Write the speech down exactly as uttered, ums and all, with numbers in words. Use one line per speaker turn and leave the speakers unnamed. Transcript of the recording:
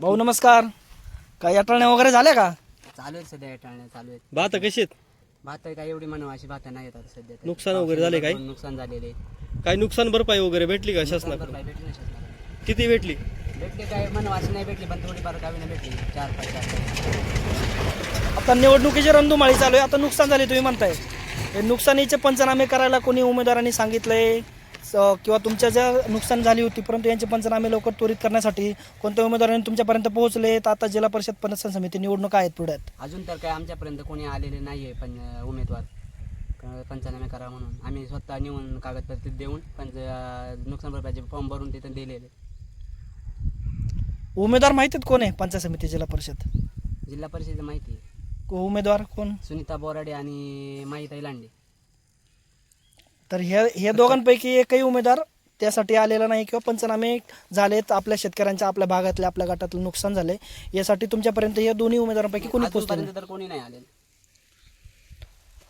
भाऊ नमस्कार. काय अटळण्या वगैरे झाल्या का?
चालू आहेत सध्या टाळण्या चालू आहेत.
भात कशी आहेत?
भात काय एवढी म्हणून अशी भात नाही येतात सध्या तरी.
नुकसान वगैरे झाले काय?
नुकसान झालेले.
काय नुकसान भरपाई वगैरे भेटली का
नुकसान
शासनाकडून?
भरपाई भेटली ना शासनाकडून.
किती भेटली?
भेटली काय म्हणून अशी नाही भेटली पण थोडीफार गावी नाही भेटली. चार पाच चार
आता निवडणुकीची रणधुमाळी चालू आहे. आता नुकसान झाले तुम्ही म्हणताय, हे नुकसानीचे पंचनामे करायला कोणी उमेदवारांनी सांगितलंय स- किंवा तुमच्या ज्या नुकसान झाली होती परंतु यांचे पंचनामे लवकर त्वरित करण्यासाठी कोणत्या उमेदवारांनी तुमच्यापर्यंत पोहोचले? तर आता जिल्हा परिषद पंचायत समिती निवडणूक आहेत पुढ्यात.
अजून तर काय आमच्यापर्यंत कोणी आलेले नाही आहे पण अं, उमेदवार क- पंचनामे करा म्हणून आम्ही स्वतः नेऊन कागदपत्र देऊन पंच अं, नुकसान भरपाईचे फॉर्म भरून तिथं दिलेले.
उमेदवार माहिती आहेत कोण आहे पंचायत समिती जिल्हा परिषद?
जिल्हा परिषदेची माहिती आहे.
को- उमेदवार कोण?
सुनीता बोराडे आणि माहिताई लांडे.
तर हे हे दोघांपैकी एकही उमेदवार त्यासाठी आलेला नाही किंवा पंचनामे झालेत आपल्या शेतकऱ्यांच्या, आपल्या भागातल्या, आपल्या गटातलं नुकसान झाले यासाठी तुमच्यापर्यंत या दोन्ही उमेदवारांपैकी कोणी पोहोचले नाही?
अजूनपर्यंत तर कोणी नाही आलेलं.